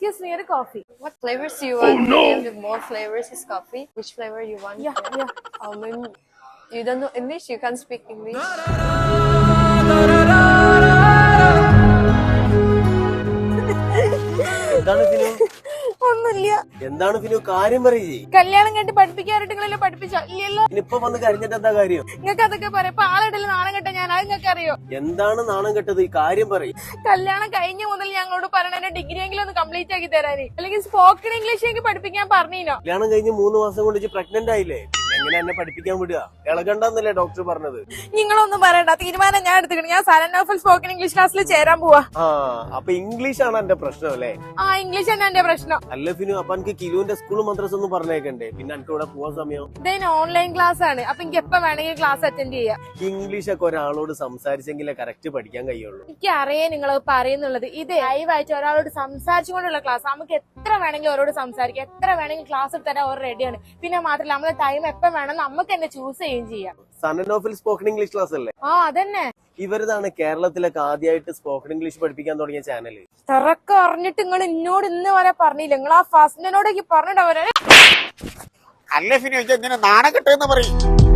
excuse me, a coffee. What flavors do you want? Oh, no. We have more flavors is coffee. Which flavor you want? Yeah. Maybe you don't know English. You can't speak English. ഒന്നുമില്ല. എന്താണ് ഫിനു കാര്യം പറയേ? കല്യാണം കണ്ടി പഠിപ്പിക്കാറിട്ടെങ്കിലും പഠിപ്പിച്ചോ ഇല്ലല്ലോ. ഇനിയിപ്പൊ വന്ന് കരഞ്ഞിട്ട് എന്താ കാര്യം? നിങ്ങൾക്ക് അതൊക്കെ പറയാം. ഇപ്പൊ ആളിടയിൽ നാണം കെട്ട ഞാൻ അത് നിങ്ങൾക്ക് അറിയോ? എന്താണ് നാണം കെട്ടത്? ഈ കാര്യം പറയും. കല്യാണം കഴിഞ്ഞ മുതൽ ഞങ്ങളോട് പറയണ ഡിഗ്രി എങ്കിലും ഒന്ന് കംപ്ലീറ്റ് ആക്കി തരാന്, അല്ലെങ്കിൽ സ്പോക്കൺ ഇംഗ്ലീഷ് എനിക്ക് പഠിപ്പിക്കാൻ പറഞ്ഞോ. കല്യാണം കഴിഞ്ഞ് 3 മാസം കൊണ്ട് പ്രഗ്നന്റ് ആയില്ലേ, എങ്ങനെ എന്നെ പഠിപ്പിക്കാൻ വിടുക? ഇളകണ്ടെന്നല്ലേ ഡോക്ടർ പറഞ്ഞത്? നിങ്ങളൊന്നും പറയണ്ട, തീരുമാനം ഞാൻ എടുത്തിട്ടുണ്ട്. ഞാൻ സരനോഫൽ സ്പോക്കൺ ഇംഗ്ലീഷ് ക്ലാസ്സിൽ ചേരാൻ പോവാ. അപ്പൊ ഇംഗ്ലീഷ് ആണ് എന്റെ പ്രശ്നം അല്ലേ? ഇംഗ്ലീഷ് തന്നെ എന്റെ പ്രശ്നം. അല്ല ഫിനു, അപ്പൊ എനിക്ക് കിലുവിന്റെ സ്കൂളും മദ്രസ ഒന്നും പറഞ്ഞേക്കണ്ടേ? പിന്നെ എനിക്ക് ഇവിടെ പോവാൻ സമയം? ഇതിന് ഓൺലൈൻ ക്ലാസ് ആണ്. അപ്പൊ എനിക്ക് എപ്പോ വേണമെങ്കിൽ ക്ലാസ് അറ്റൻഡ് ചെയ്യാം. ഇംഗ്ലീഷ് ഒക്കെ ഒരാളോട് സംസാരിച്ചെങ്കിലേ കറക്റ്റ് പഠിക്കാൻ കഴിയുള്ളൂ. എനിക്ക് അറിയാം നിങ്ങൾ പറയുന്നുള്ളത്. ഇത് ലൈവായിട്ട് ഒരാളോട് സംസാരിച്ചുകൊണ്ടുള്ള ക്ലാസ്. നമുക്ക് എത്ര വേണമെങ്കിലും അവരോട് സംസാരിക്കാം, എത്ര വേണമെങ്കിൽ ക്ലാസ് എടുത്തരാൻ അവർ റെഡിയാണ്. പിന്നെ മാത്രമല്ല നമ്മുടെ ടൈം എപ്പോ വേണം നമുക്ക് തന്നെ ചൂസ് ചെയ്യുകയും ചെയ്യാം. സനനോഫിൽ സ്പോക്കൺ ഇംഗ്ലീഷ് ക്ലാസ് അല്ലേ? അതന്നെ. ഇവരതാണ് കേരളത്തിലൊക്കെ ആദ്യമായിട്ട് സ്പോക്കൺ ഇംഗ്ലീഷ് പഠിപ്പിക്കാൻ തുടങ്ങിയ ചാനൽ. തിറക്കം അറിഞ്ഞിട്ട് നിങ്ങൾ എന്നോട് ഇന്ന് വരെ പറഞ്ഞില്ല. നിങ്ങൾ ആ ഫസ്റ്റിനോടൊക്കെ പറഞ്ഞിട്ട് അവരെ അല്ല ഫിനു, ഇങ്ങനെ നാണം കെട്ടെന്ന് പറയും.